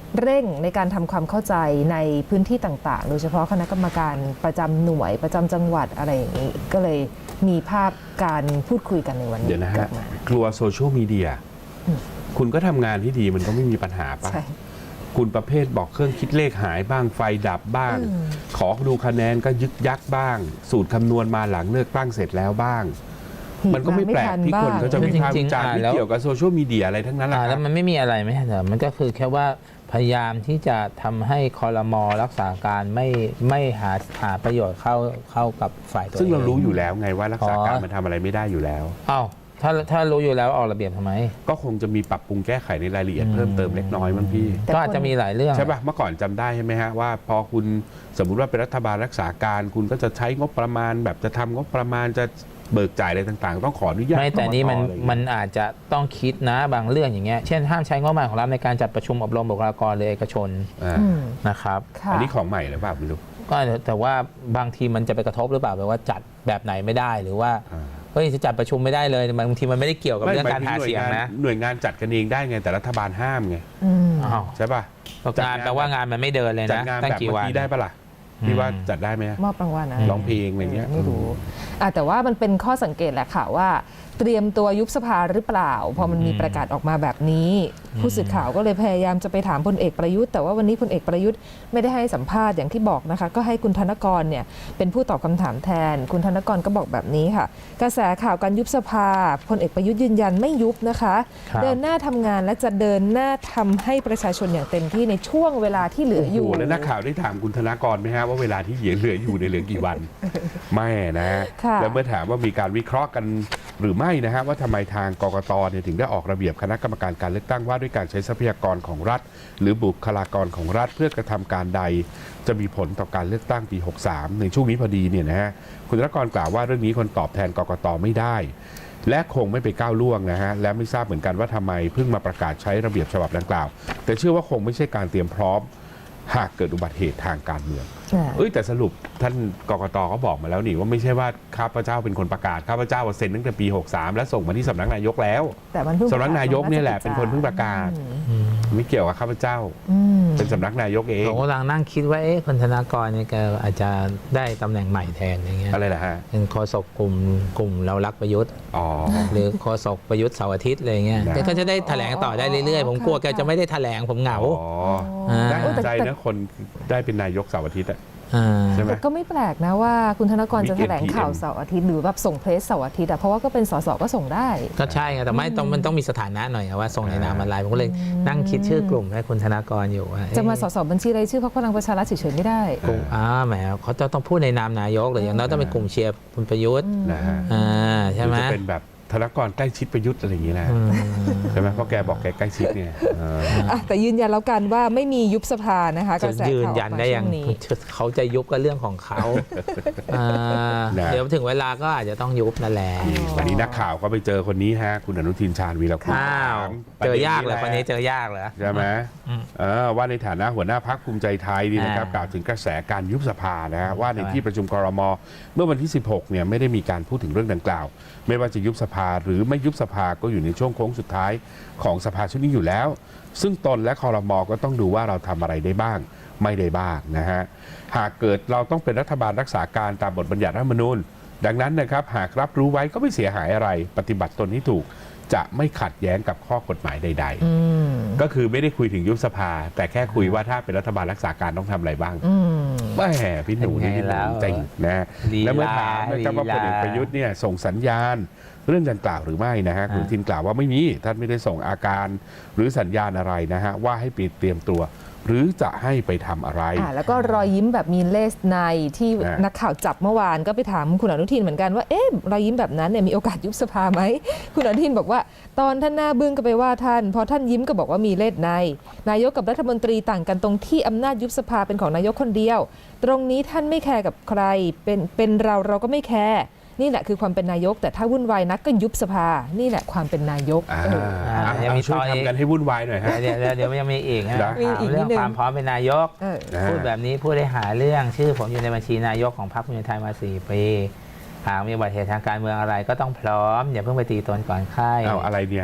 Speaker 1: เร่งในการทำความเข้าใจในพื้นที่ต่างๆ โดยเฉพาะคณะกรรมการประจำหน่วยประจำจังหวัดอะไรอย่างนี้ก็เลยมีภาพการพูดคุยกันในวันนี้
Speaker 3: เดี๋ยวนะ
Speaker 1: ก
Speaker 3: ฮะ
Speaker 1: ลับมาก
Speaker 3: ลัวโซเชียลมีเดียคุณก็ทำงานที่ดีมันก็ไม่มีปัญหาป่ะ
Speaker 1: ใช่
Speaker 3: คุณประเภทบอกเครื่องคิดเลขหายบ้างไฟดับบ้าง ขอดูคะแนนก็ยึกยักบ้าง สูตรคำนวณมาหลังเลือกตั้งเสร็จแล้วบ้าง มันก็ไม่แปลกที่คนเขาจะวิพากษ์วิจารณ์ไม่เกี่ยวกับโซเชียลมีเดียอะไรทั้งนั้นแหละค
Speaker 2: แล้
Speaker 3: รั
Speaker 2: ว
Speaker 3: บ
Speaker 2: มันไม่มีอะไรไม่ใช่เหรอมันก็คือแค่ว่าพยายามที่จะทำให้ครม.รักษาการไม่หาประโยชน์เข้ากับฝ่ายตัวเอง
Speaker 3: ซึ่งเรารู้อยู่แล้วไงว่ารักษาการมันทำอะไรไม่ได้อยู่แล้ว
Speaker 2: อ้าวถ้ารู้อยู่แล้วออกระเบียบทำไม
Speaker 3: ก็คงจะมีปรับปรุงแก้ไขในรายละเอียดเพิ่มเติมเล็กน้อยมั้งพี่
Speaker 1: แต่
Speaker 2: ก็อาจจะมีหลายเรื่อง
Speaker 3: ใช่ป่ะเมื่อก่อนจำได้ใช่ไหมฮะว่าพอคุณสมมุติว่าเป็นรัฐบาลรักษาการ คุณก็จะใช้งบประมาณแบบจะทำงบประมาณจะเบิกจ่ายอะไรต่างๆ ต้องขออนุญาต
Speaker 2: ไม่แต่นี่
Speaker 3: กกตอะไรอย่างเงี้ย
Speaker 2: มันอาจจะต้องคิดนะบางเรื่องอย่างเงี้ยเช่นห้ามใช้งบประมาณของรัฐในการจัดประชุมอบรมบุคลากรหรือเอกชน
Speaker 3: อ่า
Speaker 1: อืม
Speaker 2: นะครับ
Speaker 1: ค่ะ
Speaker 3: อันนี้ของใหม่หรือเปล่าไม่รู้
Speaker 2: ก็แต่ว่าบางทีมันจะไปกระทบหรือเปล่าแบบว่าจัดแบบไหนไม่ได้หรือว่า
Speaker 3: อ่า
Speaker 2: เฮ้ยจะจัดประชุมไม่ได้เลยบางทีมันไม่ได้เกี่ยวกับเรื่องการหาเสียงนะ
Speaker 3: หน่วยงานจัดกันเองได้ไงแต่รัฐบาลห้ามไง
Speaker 1: อืม
Speaker 2: อ้าว
Speaker 3: ใช่ป่ะ
Speaker 2: งานแปลว่างานมันไม่เดินเลย
Speaker 3: จัด
Speaker 2: นะ
Speaker 3: งาน
Speaker 2: ตั้ง
Speaker 3: แบบ
Speaker 2: กี่
Speaker 3: เมื่อ
Speaker 2: วัน
Speaker 3: กี้ได้ปะล่ะพี่ว่าจัดได้ไหม
Speaker 1: มอบรางวัลอะไร
Speaker 3: ร้องเพลงอะไรเงี้ย
Speaker 1: ไม่รู้แต่ว่ามันเป็นข้อสังเกตแหละค่ะว่าเตรียมตัวยุบสภาหรือเปล่า พอมันมีประกาศออกมาแบบนี้ ผู้สื่อข่าวก็เลยพยายามจะไปถามพลเอกประยุทธ์แต่ว่าวันนี้พลเอกประยุทธ์ไม่ได้ให้สัมภาษณ์อย่างที่บอกนะคะก็ให้คุณธนกรเนี่ยเป็นผู้ตอบคำถามแทน คุณธนกรก็บอกแบบนี้ค่ะกระแสข่าวการยุบสภาพลเอกประยุทธ์ยืนยันไม่ยุบนะคะ
Speaker 2: ครับ
Speaker 1: เดินหน้าทำงานและจะเดินหน้าทำให้ประชาชนอย่างเต็มที่ในช่วงเวลาที่เหลืออยู่
Speaker 3: โโหแล้วนักข่าวได้ถามคุณธนากรไหมฮะว่าเวลาที่เหลืออยู่ในยเหลือกี่วัน ไม่นะ
Speaker 1: ค่ะ
Speaker 3: แล้วเมื่อถามว่ามีการวิเคราะห์กันหรือไม่นะฮะว่าทำไมทางกกตเนี่ยถึงได้ออกระเบียบคณะกรรมการการเลือกตั้งว่าด้วยการใช้ทรัพยากรของรัฐ หรือบุคลากรของรัฐเพื่อกระทำการใด จะมีผลต่อการเลือกตั้งปี 63 ในช่วงนี้พอดีเนี่ยนะฮะคุณธนากรกล่าวว่าเรื่องนี้คนตอบแทนกกตไม่ได้ และคงไม่ไปก้าวล่วงนะฮะและไม่ทราบเหมือนกันว่าทำไมเพิ่งมาประกาศใช้ระเบียบฉบับดังกล่าว แต่เชื่อว่าคงไม่ใช่การเตรียมพร้อมหากเกิดอุบัติเหตุทางการเมือง แต่สรุปท่านกกตก็บอกมาแล้วนี่ว่าไม่ใช่ว่าข้าพเจ้าเป็นคนประกาศข้าพเจ้าเซ็นตั้งแต่ปี 63 และส่งมาที่สำนักนายกแล้ว
Speaker 1: แต่มันเพิ่ง
Speaker 3: สำนักนายกเนี่ยแหละเป็นคนเพิ่งประกาศ ไม่เกี่ยวกับข้าพเจ้า เป็นสำนักนายกเอง
Speaker 2: ผมกำลังนั่งคิดว่าคุณธนากรเนี่ยแกอาจจะได้ตำแหน่งใหม่แทนอย่างเงี้ย
Speaker 3: อะไรล่ะฮะ
Speaker 2: เป็นโฆษกกลุ่มเรารักประยุทธ์
Speaker 3: อ๋อ
Speaker 2: หรือโฆษกประยุทธ์เสาร์อาทิตย์อะไรเงี้ย
Speaker 3: นะ
Speaker 2: แกก็จะได้แถลงต่อได้เรื่อยๆ ผมกลัวแกจะไม่ได้แถลงผมเหงา
Speaker 3: อ๋อ
Speaker 2: อ่า
Speaker 3: น่าสนใจนะคนได้เป็นนายกเสาร์อาทิตย์อะ
Speaker 2: อ่า
Speaker 3: ใช่ไหม
Speaker 1: แต่ก็ไม่แปลกนะว่าคุณธนกรจะแถลงข่าว
Speaker 3: PM
Speaker 1: เสาร์อาทิตย์หรือแบบส่งเพลสเสาร์อาทิตย์อะเพราะว่าก็เป็นสสก็ส่งได้
Speaker 2: ก็ใช่ไงแต่ไม่ต้องมันต้องมีสถานะหน่อยอะว่าส่งในนามอะไรผมก็เลยนั่งคิดชื่อกลุ่มให้คุณธนากรอยู่ว่า
Speaker 1: จะมาสสบัญชีรายชื่อพรรคพลังประชารัฐเฉยๆไม่ได้
Speaker 2: กลุ่มแหมเขาจะต้องพูดในนามนายกหรืออย่างน้อยต้องเป็นกลุ่มเชียร์คุณประยุทธ์
Speaker 3: นะฮะ
Speaker 2: ใช่ไหม
Speaker 3: รือจะเป็นแบบธนกรใกล้ชิดประยุทธ์อะไรอย่างนี้นะ
Speaker 2: อืม
Speaker 3: ใช่ไหมเพราะแกบอกแกใกล้ชิดเนี่ยเออ
Speaker 1: แต่ยืนยันแล้วกันว่าไม่มียุบสภานะคะก
Speaker 2: จะ
Speaker 1: ระแส
Speaker 2: ยืน
Speaker 1: ข่าวอ
Speaker 2: ยั
Speaker 1: อน กมา
Speaker 2: ได้
Speaker 1: ช่
Speaker 2: ยัง
Speaker 1: วงนี้
Speaker 2: เขาจะยุบก็เรื่องของเขาเดี๋ยวถึงเวลาก็อาจจะต้องยุบนั่นแหละ
Speaker 3: วันนี้นักข่าวก็ไปเจอคนนี้ฮะคุณอนุทินชาญวีรกุล
Speaker 2: อ้าว
Speaker 3: ถาม
Speaker 2: เจอยากเหรอ
Speaker 3: ป
Speaker 2: ค
Speaker 3: ระ
Speaker 2: น
Speaker 3: ด็
Speaker 2: นี้
Speaker 3: แหละ
Speaker 2: เจอยากเหรอ
Speaker 3: ใช่ไหมว่าในฐานะหัวหน้าพรรคภูมิใจไทยนี่นะครับ
Speaker 2: อ่าก
Speaker 3: ล่าวถึงกระแสการยุบสภานะฮะว่าใน
Speaker 2: ใช่ไหม
Speaker 3: ที่ประชุมครม.เมื่อวันที่ 16 เนี่ยไม่ได้มีการพูดถึงเรื่องดังกล่าว ไม่ว่าจะยุบสภาหรือไม่ยุบสภาก็อยู่ในช่วงโค้งสุดท้ายของสภาชุดนี้อยู่แล้ว ซึ่งตนและครม.ก็ต้องดูว่าเราทำอะไรได้บ้าง ไม่ได้บ้างนะฮะหากเกิดเราต้องเป็นรัฐบาลรักษาการตามบทบัญญัติรัฐธรรมนูญดังนั้นนะครับหากรับรู้ไว้ก็ไม่เสียหายอะไร ปฏิบัติตนให้ถูกจะไม่ขัดแย้งกับข้อกฎหมายใด ๆ ก็คือไม่ได้คุยถึงยุบสภา แต่แค่คุยว่าถ้าเป็นรัฐบาลรักษาการต้องทำอะไรบ้างแหม่พี่หนูนี่
Speaker 2: เป็นไงแล้ว
Speaker 3: จริงนะ
Speaker 2: ลีลา
Speaker 3: แล้วเมื่อถามนะครับว่าพลเอก
Speaker 2: ลีลา
Speaker 3: ประยุทธ์เนี่ยส่งสัญญาณเรื่องดังกล่าวหรือไม่นะฮะคุณทินกล่าวว่าไม่มีท่านไม่ได้ส่งอาการหรือสัญญาณอะไรนะฮะว่าให้ไปเตรียมตัว หรือจะให้ไปทำอะไร
Speaker 1: แล้วก็รอยยิ้มแบบมีเลสในที่
Speaker 3: อ่านั
Speaker 1: นักข่าวจับเมื่อวานก็ไปถามคุณอนุทินเหมือนกันว่าเอ๊ะรอยยิ้มแบบนั้นเนี่ยมีโอกาสยุบสภาไหมคุณอนุทินบอกว่าตอนท่านหน้าบึ้งก็ไปว่าท่านพอท่านยิ้มก็บอกว่ามีเลสในนายกกับรัฐมนตรีต่างกันตรงที่อำนาจยุบสภาเป็นของนายกคนเดียว ตรงนี้ท่านไม่แคร์กับใครเป็นเราก็ไม่แคร์นี่แหละคือความเป็นนายกแต่ถ้าวุ่นวายนักก็ยุบสภานี่แหละความเป็นนายก
Speaker 2: ยังมี
Speaker 3: ช่วย
Speaker 2: ต่ออีก
Speaker 3: ทำกันให้วุ่นวายหน่อยฮะ
Speaker 2: เดี๋ยวยังมีอีกนะ
Speaker 3: นะ
Speaker 1: มีอีกนิ
Speaker 2: เรื่
Speaker 1: ด
Speaker 2: อง
Speaker 1: นึง
Speaker 2: ความพร้อมเป็นนายก พูดแบบนี้พูดได้หาเรื่องชื่อผมอยู่ในบัญชีนายกของพรรคภูมิใจไทยมา 4 ปีหากมีอุบัติเหตุทางการเมืองอะไรก็ต้องพร้อมอย่าเพิ่งไปตีตนก่อนไข้
Speaker 3: เอาอะไรเนี่ย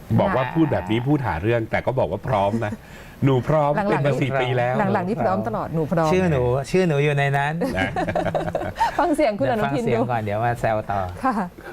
Speaker 3: บอกว่าพูดแบบนี้พูดหาเรื่องแต่ก็บอกว่าพร้อมนะ หนูพร้อม
Speaker 1: หลังๆ
Speaker 3: เป็นมา4 ปีแล้ว
Speaker 1: หลังๆนี่พร้อมตลอดหนูพร้อม
Speaker 2: ชื่อหนูอยู่ในนั้น
Speaker 3: นะ
Speaker 1: ฟังเสียงคุณ
Speaker 2: เดี๋
Speaker 1: อ
Speaker 2: ยว
Speaker 1: นุ
Speaker 2: ฟัง
Speaker 1: ทิน
Speaker 2: เสียง
Speaker 1: ดู
Speaker 2: ก่อนเดี๋ยวมาแซวต่อ
Speaker 1: ค่ะ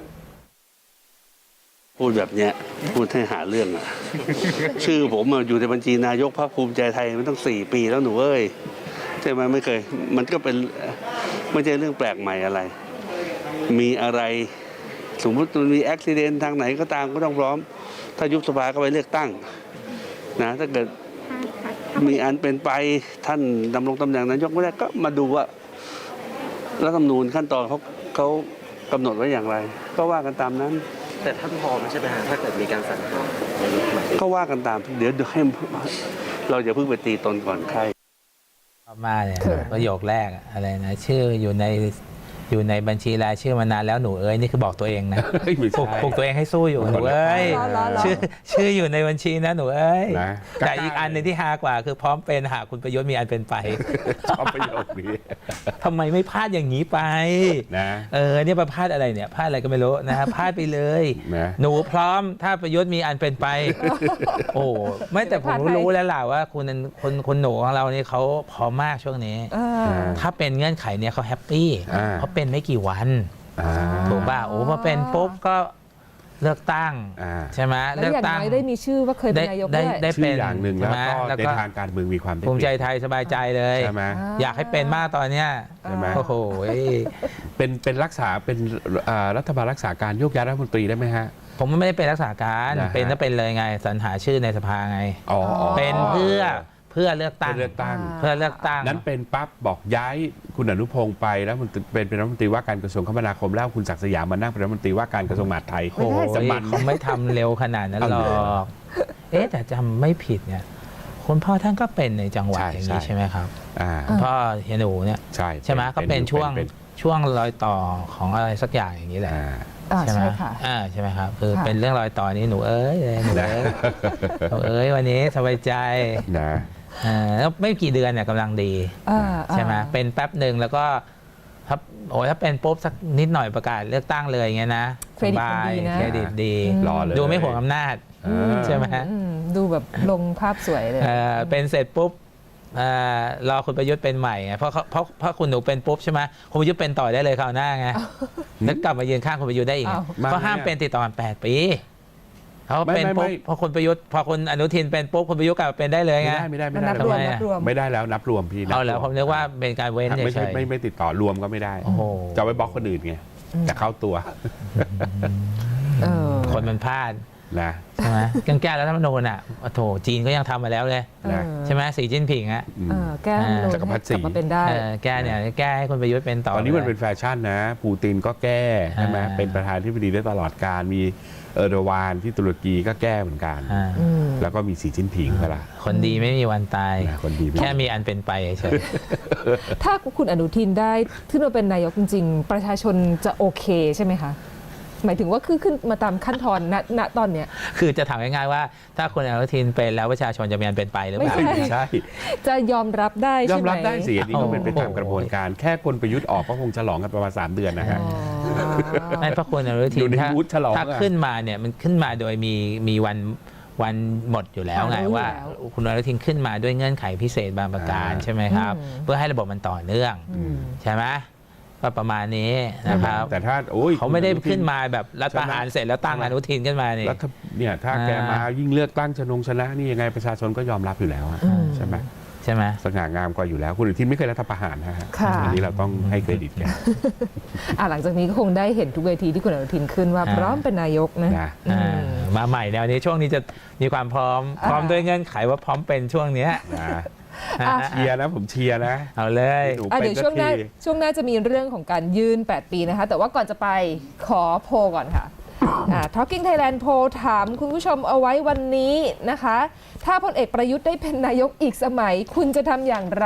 Speaker 5: พูดแบบเนี้ยพูดให้หาเรื่องอ่ะ ชื่อผมอะอยู่ในบัญชีนายกพรรคภูมิใจไทยมันต้อง4 ปีแล้วหนูเอ้ยใช่ไหมไม่เคย มันก็เป็นไม่ใช่เรื่องแปลกใหม่อะไร มีอะไรสมมติมันมีอุบิเหตุทางไหนก็ตามก็ต้องพร้อม ถ้ายุบสภาก็ไปเลือกตั้งนะถ้าเกิดมีอันเป็นไปท่านดำรงตำแหน่งนายกไม่ได้ก็มาดูว่ารัฐธรรมนูญขั้นตอนเขากำหนดไว้อย่างไร ก็ว่ากันตามนั้น
Speaker 6: แต่ท่านพร้อมใช่ไหมฮะถ้าเกิดมีการสั่งห้ามนายกใหม่
Speaker 5: ก็ว่ากันตามเดี๋ยวให้เราอย่าเพิ่งไปตีตนก่อนใคร
Speaker 2: มาเนี่ย
Speaker 1: เขิน
Speaker 2: ประโยคแรกอะอะไรนะชื่ออยู่ในบัญชีรายชื่อมานานแล้วหนูเอ้ยนี่คือบอกตัวเองนะ
Speaker 3: เฮ้ยไม่
Speaker 2: ปลุ
Speaker 3: ใช่
Speaker 2: กตัวเองให้สู้อยู่หนูเอ้ย
Speaker 1: เหรอ
Speaker 2: ชื่ออยู่ในบัญชีนะหนูเอ้ย
Speaker 3: นะ
Speaker 2: แต่อีกอันหนึงที่ฮากว่าคือพร้อมเป็นหากคุณประยุทธ์มีอันเป็นไป
Speaker 3: ชอบประโยคนี้
Speaker 2: ทำไมไม่พลาดอย่างนี้ไป
Speaker 3: นะ
Speaker 2: เนี่ยไปพลาดอะไรเนี่ยพลาดอะไรก็ไม่รู้นะฮะพลาดไปเลย
Speaker 3: นะ
Speaker 2: หนูพร้อมถ้าประยุทธ์มีอันเป็นไป โอ้ไม่แต่ผมรู้แล้วล่ะว่าคุณหนูของเรานี่เขาพร้อมมากช่วงนี้
Speaker 1: อ่า
Speaker 2: ถ้าเป็นเงื่อนไขเนี่ยเขาแฮปปี้เขาเป็นไม่กี่วัน
Speaker 3: อ่า
Speaker 2: ถูกป่ะโอ้พอเป็นปุ๊บก็เลือกตั้ง
Speaker 3: อ่า
Speaker 2: ใช่ไหม
Speaker 1: แล้ว
Speaker 2: เลือก
Speaker 1: อย่าง
Speaker 2: ตั้ง
Speaker 1: น้อยได้มีชื่อว่าเคยเป็นนายกด้วย
Speaker 2: ได้
Speaker 3: ชื่
Speaker 2: เป็
Speaker 3: อน อย่างหนึ่ง
Speaker 2: ใช่
Speaker 3: แล้ว
Speaker 2: ไหม
Speaker 3: ก็
Speaker 2: แล้ว
Speaker 3: ใน
Speaker 2: ก็
Speaker 3: ทางการเมืองมีความได้
Speaker 2: ภูมิใจ
Speaker 3: เปรียบ
Speaker 2: ไทยสบายใจเลย
Speaker 3: ใช่ไหม
Speaker 2: อยากให้เป็นมากตอนเนี้ย
Speaker 3: ใช่ไหม
Speaker 2: โอ้โห
Speaker 3: เป็นรักษาเป็นรัฐบาลรักษาการโยกย้ายรัฐมนตรีได้ไหมฮะ
Speaker 2: ผมไม่ได้เป็นรักษาการ
Speaker 3: นะฮะ
Speaker 2: เป็นก็เป็นเลยไงสรรหาชื่อในสภาไง
Speaker 3: อ๋อ
Speaker 2: เป็นเพื่อเลือกตั้ง
Speaker 3: เลือกตั้ง
Speaker 2: เพื่อเลือกตั้ง
Speaker 3: นั้นเป็นปั๊บบอกย้ายคุณอนุพงศ์ไปแล้วมันเป็นรัฐมนตรีว่าการกระทรวงคมนาคมแล้วคุณศักดิ์สยามมานั่งเป็นรัฐมนตรีว่าการกระทรวงมหาดไทย
Speaker 2: โอ้โห
Speaker 3: จะมัน
Speaker 2: เขาไม่ทำเร็วขนาดนั้นหร
Speaker 3: เอา
Speaker 2: อ
Speaker 3: เลย
Speaker 2: ก แต่จำไม่ผิดเนี่ยคุณพ่อท่านก็เป็นในจังหวัด
Speaker 3: ใช่
Speaker 2: อย่างนี้
Speaker 3: ใช่
Speaker 2: ใช่ไหมครับ
Speaker 3: อ่า
Speaker 2: คุณพ่อเฮียหนูเนี่ย
Speaker 3: ใช่
Speaker 2: ไหมก็เป็นช่วง
Speaker 3: เป็น
Speaker 2: ช่วงรอยต่อของอะไรสักอย่างอย่างนี้แหละ
Speaker 3: อ่า
Speaker 1: อ่า
Speaker 2: ใช่ไหม
Speaker 1: ใช่ค่ะ
Speaker 2: ใช่ไหมครับคือ
Speaker 1: ค่ะ
Speaker 2: เป็นเรื่องรอยต่อนี้หนูเอ้ยหนูเอ้ยหนูเอ้ยวันนี้สบายใจ
Speaker 3: นะ
Speaker 2: แล้วไม่กี่เดือนเนี่ยกำลังดี
Speaker 1: อ่า
Speaker 2: ใช่ไหมเป็นแป๊บหนึ่งแล้วก็ถ้าเป็นปุ๊บสักนิดหน่อยประกาศเลือกตั้งเลยอย่างเงี้ยนะ
Speaker 1: เครดิตมันดีนะ
Speaker 2: เครดิตดี
Speaker 3: รอเลย
Speaker 2: ดูไม่ห่วงอำนาจ ใช่ไหม
Speaker 1: ดูแบบลงภาพสวยเลย
Speaker 2: เป็นเสร็จปุ๊บรอคุณประยุทธ์เป็นใหม่ไงเพราะคุณหนูเป็นปุ๊บใช่ไหมคุณประยุทธ์เป็นต่อได้เลยคราวหน้าไงแล้วกลับมายืนข้างคุณประยุทธ์ได้อีกไง
Speaker 3: อ้าว
Speaker 2: เพราะห้ามเป็นติดต่อกัน8 ปีเขาเป็น
Speaker 3: ไม่
Speaker 2: ปุ๊บพอคุณประยุทธ์พอคุณอนุทินเป็นปุ๊บคุณประยุทธ์กลับมาเป็นได้เลยไง
Speaker 3: ไม่ได้
Speaker 1: มันนับรวม
Speaker 2: ทำไม
Speaker 1: นับรวม
Speaker 3: ไม่ได้แล้วนับรวมพี่
Speaker 2: เอาแล้ว
Speaker 3: บร
Speaker 2: ผมนึกว่าเป็นการเว้น
Speaker 3: ไม่
Speaker 2: เฉ
Speaker 3: ใช่
Speaker 2: ย
Speaker 3: ไม่ติดต่อรวมก็ไม่ได้
Speaker 2: โอ้โห
Speaker 3: จะเอาไปบล็อกคนอื่นไงแต่เข้าตัว
Speaker 1: เออ
Speaker 2: ๆคนมันพลาด
Speaker 3: นะ
Speaker 2: ใช่ไหมแก้รัฐธรรมนูญอ่ะโอ้โถจีนก็ยังทำมาแล้วเลย
Speaker 3: นะ
Speaker 2: ใช่ไหมสีจิ้นผิงอ่ะ
Speaker 3: อืม
Speaker 1: แก้รัฐธรรมนูญ
Speaker 3: จักรพรรดิศรี
Speaker 1: ให้กลับมาเป็นได้
Speaker 2: แก้เนี่ยแก้ให้คุณประยุทธ์เป็นต่อ
Speaker 3: ตอนนี้มันเป็นแฟชั่นนะ ปูตินก็แก้ใช่ไหม
Speaker 2: อ่า
Speaker 3: เป็นประธานที่ปดีได้ตลอดการมีเออร์โดวานที่ตุรกีก็แก้เหมือนกัน
Speaker 2: อ่า
Speaker 3: แล้วก็มีสีจิ้นผิงก็ละ
Speaker 2: คนดีไม่มีวันตาย
Speaker 3: นะคนดีไม่
Speaker 2: แค่มีอันเป็นไปเฉย
Speaker 1: ถ้าคุณอนุทินได้ขึ้นมาเป็นนายกจริงๆ ประชาชนจะโอเคใช่ไหมคะ หมายถึงว่าคือขึ้นมาตามขั้นตอนณตอนเนี้ย
Speaker 2: คือจะถามง่ายๆว่า ถ้าคุณอนุทินเป็นแล้วประชาชนจะมีอันเป็นไปหรือเปล่า
Speaker 1: ไม่ใช่
Speaker 3: ใช่
Speaker 1: จะยอมรับได้
Speaker 3: ยอ
Speaker 1: ใช่
Speaker 3: ม
Speaker 1: ไหม
Speaker 3: รับได้สิอันนี้ก็เป็นไป
Speaker 2: โอ้โห
Speaker 3: ตามกระบวนการ แค่คนประยุทธ์ออกก็คงฉลองกันประมาณ3 เดือนนะฮะ
Speaker 1: อ๋อ
Speaker 2: ไม่เพราะคุณอนุทิ
Speaker 3: อยู่
Speaker 2: น
Speaker 3: ใน
Speaker 2: ถ้า
Speaker 3: มูดฉลอง
Speaker 2: ถ้า
Speaker 3: อะ
Speaker 2: ขึ้นมาเนี่ยมันขึ้นมาโดยมีวันหมดอยู่แล้วไง
Speaker 1: รู้อยู่
Speaker 2: ว่า
Speaker 1: แล้ว
Speaker 2: คุณอนุทินขึ้นมาด้วยเงื่อนไขพิเศษบางประการใช่ไหมครับ เพื่อให้ระบบมันต่อเนื่อง ใช่ไหมก็ประมาณนี้นะครับ
Speaker 3: แต่ถ้าโอ้ย
Speaker 2: เขาไม่ได้
Speaker 3: คุณอนุทิ
Speaker 2: ขึ้นมาแบบรัฐประหารเสร็จแล้วตั้งอนุทินขึ้นมานี่
Speaker 3: แล้วถ้าเนี่ยถ้าแกมายิ่งเลือกตั้งชนะนี่ยังไงประชาชนก็ยอมรับอยู่แล้วอะใช่ไหม
Speaker 2: ใช่ไหม
Speaker 3: สง่างามกว่าอยู่แล้วคุณอนุทินไม่เคยรัฐประหารนะฮะ
Speaker 1: ค่ะ
Speaker 3: อันนี้เราต้องให้เครดิตแก
Speaker 1: หลังจากนี้ก็คงได้เห็นทุกเวทีที่คุณอนุทินขึ้นว่าพร้อมเป็นนายกนะ
Speaker 3: นะ
Speaker 2: มาใหม่แนวนี้ช่วงนี้จะมีความพร้อมด้วยเงื่อนไขว่าพร้อมเป็นช่วงเนี้ย
Speaker 3: นะ
Speaker 1: อ่ะ
Speaker 3: เชียร์นะผมเชียร์นะ
Speaker 2: เอาเลย
Speaker 3: หนู
Speaker 1: เดี๋
Speaker 3: เป็
Speaker 1: ย
Speaker 3: น
Speaker 1: วช่วงหน้า
Speaker 3: สักที
Speaker 1: ช่วงหน้าจะมีเรื่องของการยื่น 8 ปีนะคะ แต่ว่าก่อนจะไปขอโพลก่อนค่ะTalking Thailand โพลถามคุณผู้ชมเอาไว้วันนี้นะคะ ถ้าพลเอกประยุทธ์ได้เป็นนายกอีกสมัย คุณจะทำอย่างไร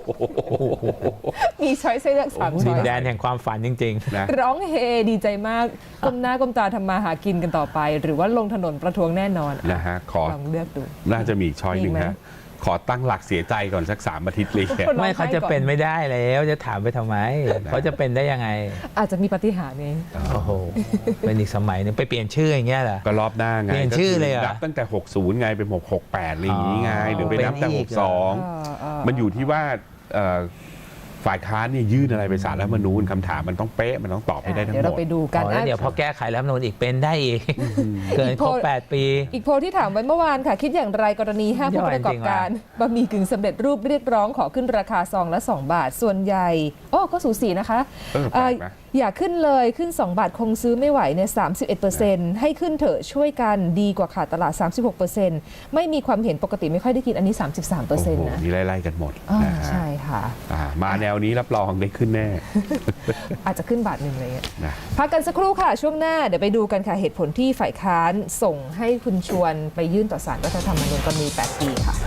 Speaker 1: มีช้อยส์ให้เลือก3ช้
Speaker 2: ดิ
Speaker 1: อน ย
Speaker 2: แดนแห่งความฝันจริง
Speaker 3: นะ
Speaker 1: ร้องเฮดีใจมากก้มหน้าก้มตาทำมาหากินกันต่อไป หรือว่าลงถนนประท้วงแน่นอน
Speaker 3: นะฮะขอ
Speaker 1: ลองเลือกดู
Speaker 3: น่าจะมีอีกช้อยหนึ่ง
Speaker 1: มีไหม
Speaker 3: ฮะขอตั้งหลักเสียใจก่อนสัก3 อาทิตย์เลย
Speaker 2: ไม่เขาจะเป็นไม่ได้แล้วจะถามไปทำไมเขาจะเป็นได้ยังไง
Speaker 1: อาจจะมีปาฏิหาริย์ไง
Speaker 2: โอ้โหเป็นอีกสมัยหนึงไปเปลี่ยนชื่ออย่างเงี้ยเหรอ
Speaker 3: ก็รอบหน้าไง
Speaker 2: เปลี่ยนชื่อเลยเหรอ
Speaker 3: นับตั้งแต่ 60 ไงเป็น68อะไรอย่างนี้ไง
Speaker 2: อ๋อ
Speaker 3: หรือไปนับแต่
Speaker 2: เป็นอีกเหรอ
Speaker 3: 62 มันอยู่ที่ว่าฝ่ายค้านเนี่ยยื่นอะไรไปศาลรัฐธรรมนูญคำถามมันต้องเป๊ะมันต้องตอบให้ได้ทั้ง
Speaker 1: เดี๋ยว
Speaker 3: หม
Speaker 1: เรา
Speaker 3: ด
Speaker 1: ไปดูกัน
Speaker 2: อ๋อแล้วเดี๋ยวพอแก้ไขรัฐธรรมนูญอีกเป็นได้อีกเกินครบ8 ปี
Speaker 1: อีกโพลที่ถามไว้เมื่อวานค่ะ คิดอย่างไรกรณี5ผู้ประกอบการบะหมี่กึ่งสำเร็จรูปเรียกร้องขอขึ้นราคาซองละ2 บาทส่วนใหญ่ก็สูสีนะคะ
Speaker 3: แปลกนะ
Speaker 1: อย่าขึ้นเลยขึ้น2 บาทคงซื้อไม่ไหวเนี่ย31%ให้ขึ้นเถอะช่วยกันดีกว่าขาดตลาด 36%ไม่มีความเห็นปกติไม่ค่อยได้กินอันนี้ 33%
Speaker 3: โอ้โห
Speaker 1: นะ
Speaker 3: นี่ไล่ๆกันหมด นะฮะ
Speaker 1: ใช่ค่ะ
Speaker 3: มาแนวนี้รับรองได้ขึ้นแน่
Speaker 1: อาจจะขึ้นบาทหนึ่งเลย
Speaker 3: นะ
Speaker 1: พักกันสักครู่ค่ะ ช่วงหน้าเดี๋ยวไปดูกันค่ะ เหตุผลที่ฝ่ายค้านส่งให้คุณชวนไปยื่นต่อศาลรัฐธรรมนูญกรณี8 ปีค่ะ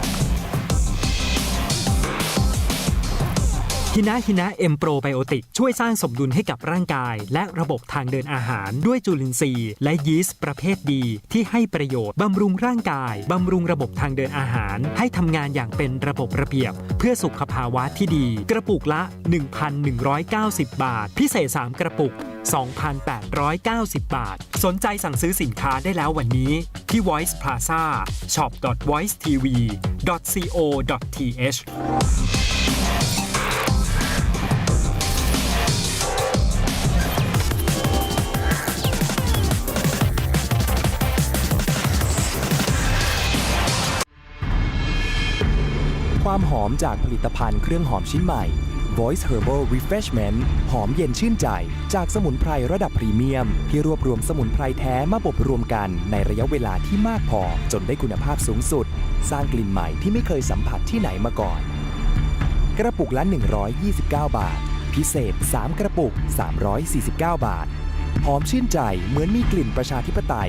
Speaker 7: ฮินะเอ็มโปรไบโอติกช่วยสร้างสมดุลให้กับร่างกายและระบบทางเดินอาหารด้วยจุลินทรีย์และยีสต์ประเภทดีที่ให้ประโยชน์บำรุงร่างกายบำรุงระบบทางเดินอาหารให้ทำงานอย่างเป็นระบบระเบียบเพื่อสุขภาวะที่ดีกระปุกละ 1,190 บาทพิเศษ3กระปุก 2,890 บาทสนใจสั่งซื้อสินค้าได้แล้ววันนี้ที่ Voice Plaza shop.voicetv.co.th
Speaker 8: ความหอมจากผลิตภัณฑ์เครื่องหอมชิ้นใหม่ Voice Herbal Refreshment หอมเย็นชื่นใจจากสมุนไพรระดับพรีเมียมที่รวบรวมสมุนไพรแท้มาบดรวมกันในระยะเวลาที่มากพอจนได้คุณภาพสูงสุดสร้างกลิ่นใหม่ที่ไม่เคยสัมผัสที่ไหนมาก่อนกระปุกละ129 บาทพิเศษ3กระปุก349 บาทหอมชื่นใจเหมือนมีกลิ่นประชาธิปไตย